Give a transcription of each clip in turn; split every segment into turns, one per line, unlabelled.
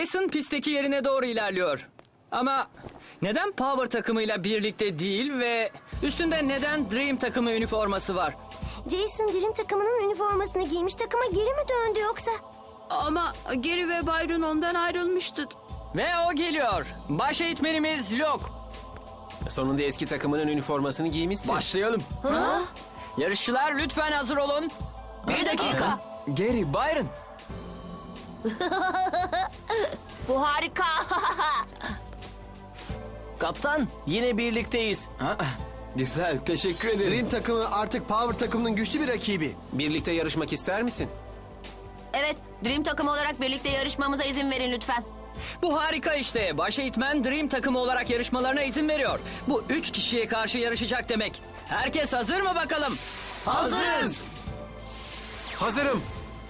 Jason pistteki yerine doğru ilerliyor. Ama neden Power takımıyla birlikte değil ve üstünde neden Dream takımı üniforması var?
Jason Dream takımının üniformasını giymiş, takıma geri mi döndü yoksa?
Ama Gary ve Byron ondan ayrılmıştı.
Ve o geliyor. Baş eğitmenimiz Luke.
Sonunda eski takımının üniformasını giymişsin.
Başlayalım. Yarışçılar lütfen hazır olun.
Bir dakika.
Gary, Byron.
Bu harika.
Kaptan, yine birlikteyiz. Güzel, teşekkür ederim.
Dream takımı artık Power takımının güçlü bir rakibi.
Birlikte yarışmak ister misin?
Evet, Dream takımı olarak birlikte yarışmamıza izin verin lütfen.
Bu harika işte. Baş eğitmen Dream takımı olarak yarışmalarına izin veriyor. Bu 3 kişiye karşı yarışacak demek. Herkes hazır mı bakalım? Hazırız.
Hazırım.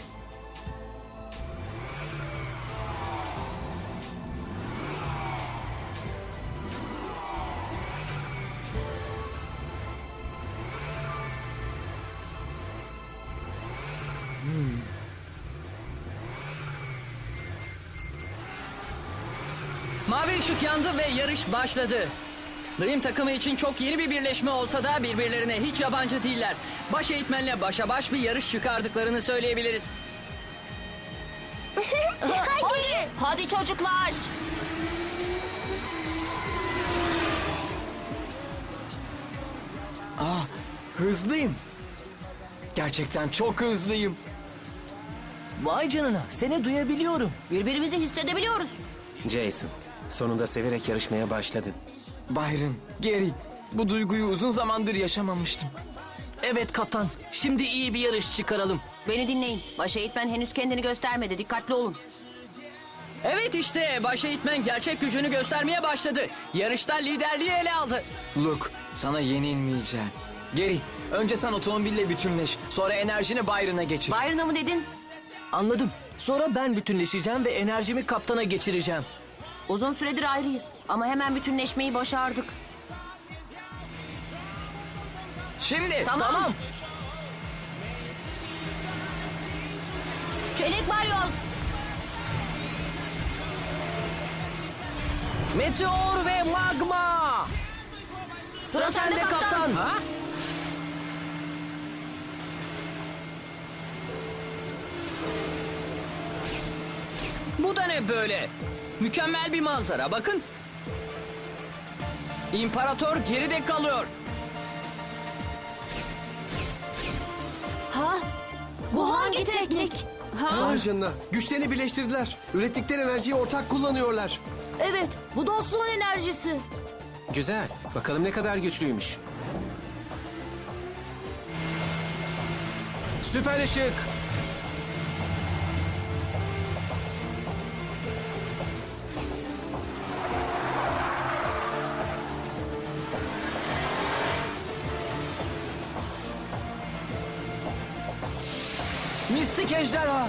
Mavi ışık yandı ve yarış başladı. Dream takımı için çok yeni bir birleşme olsa da birbirlerine hiç yabancı değiller. Baş eğitmenle başa baş bir yarış çıkardıklarını söyleyebiliriz.
Hadi. Hadi çocuklar.
Hızlıyım. Gerçekten çok hızlıyım. Vay canına, seni duyabiliyorum.
Birbirimizi hissedebiliyoruz.
Jason, sonunda severek yarışmaya başladın.
Byron, Gary, bu duyguyu uzun zamandır yaşamamıştım.
Evet kaptan, şimdi iyi bir yarış çıkaralım.
Beni dinleyin. Baş eğitmen henüz kendini göstermedi. Dikkatli olun.
Evet işte, baş eğitmen gerçek gücünü göstermeye başladı. Yarışta liderliği ele aldı.
Luke, sana yenilmeyeceğim. Gary, önce sen otomobille bütünleş. Sonra enerjini Byron'a geçir.
Byron'a mı dedin?
Anladım. Sonra ben bütünleşeceğim ve enerjimi kaptana geçireceğim.
Uzun süredir ayrıyız. Ama hemen bütünleşmeyi başardık.
Şimdi.
Tamam. Çelik Baryoz.
Meteor ve magma.
Sıra sende kaptan.
Ha? Bu da ne böyle? Mükemmel bir manzara, bakın. İmparator geride kalıyor.
Ha? Bu hangi teknik?
Vay canına. Güçlerini birleştirdiler. Ürettikleri enerjiyi ortak kullanıyorlar.
Evet, bu dostluğun enerjisi.
Güzel. Bakalım ne kadar güçlüymüş. Süper ışık.
Mistik ejderha.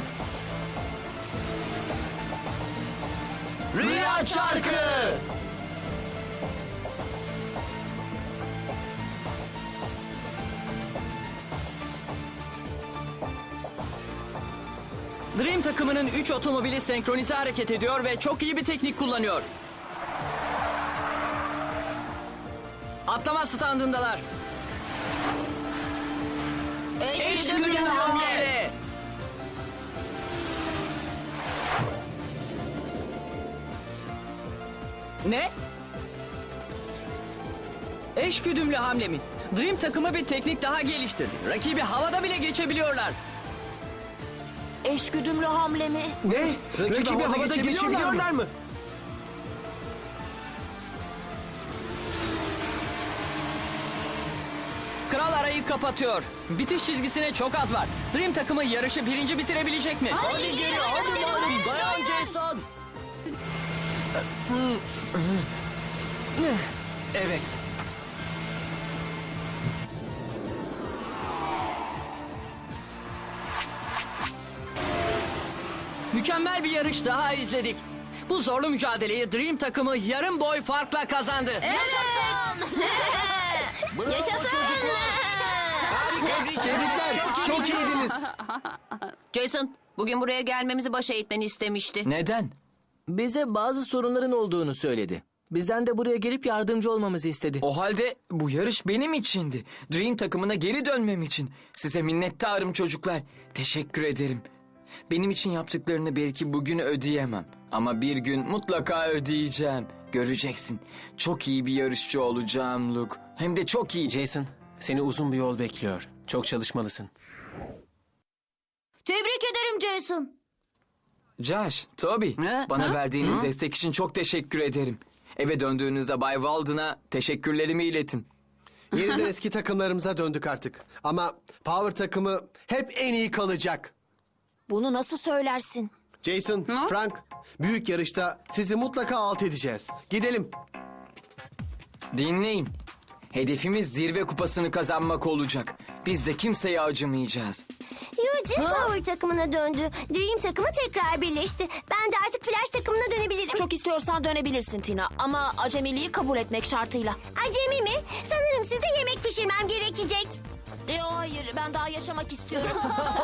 Rüya çarkı. Dream takımının 3 otomobili senkronize hareket ediyor ve çok iyi bir teknik kullanıyor. Atlama standındalar.
Eşgüdümlü hamle.
Ne? Eşgüdümlü hamle mi? Dream takımı bir teknik daha geliştirdi. Rakibi havada bile geçebiliyorlar.
Eşgüdümlü hamle mi?
Ne? Rakibi havada geçebiliyorlar mı?
Kral arayı kapatıyor. Bitiş çizgisine çok az var. Dream takımı yarışı birinci bitirebilecek mi?
Hadi geri, hadi. Dayan Jason.
Evet.
Mükemmel bir yarış daha izledik. Bu zorlu mücadeleyi Dream takımı yarım boy farkla kazandı.
Yaşasın. Yaşasın.
Tebrikler. Çok iyiydiniz.
Jason, bugün buraya gelmemizi baş eğitmeni istemişti.
Neden?
Bize bazı sorunların olduğunu söyledi. Bizden de buraya gelip yardımcı olmamızı istedi.
O halde bu yarış benim içindi. Dream takımına geri dönmem için. Size minnettarım çocuklar. Teşekkür ederim. Benim için yaptıklarını belki bugün ödeyemem. Ama bir gün mutlaka ödeyeceğim. Göreceksin. Çok iyi bir yarışçı olacağım Luke. Hem de çok iyi.
Jason, seni uzun bir yol bekliyor. Çok çalışmalısın.
Tebrik ederim Jason.
Josh, Toby, bana verdiğiniz destek için çok teşekkür ederim. Eve döndüğünüzde Bay Walden'a teşekkürlerimi iletin.
Yeniden eski takımlarımıza döndük artık. Ama Power takımı hep en iyi kalacak.
Bunu nasıl söylersin?
Jason, Frank, büyük yarışta sizi mutlaka alt edeceğiz. Gidelim.
Dinleyin. Hedefimiz zirve kupasını kazanmak olacak. Biz de kimseye acımayacağız.
Yuji Power takımına döndü. Dream takımı tekrar birleşti. Ben de artık Flash takımına dönebilirim.
Çok istiyorsan dönebilirsin Tina ama acemiliği kabul etmek şartıyla.
Acemi mi? Sanırım size yemek pişirmem gerekecek.
Hayır ben daha yaşamak istiyorum.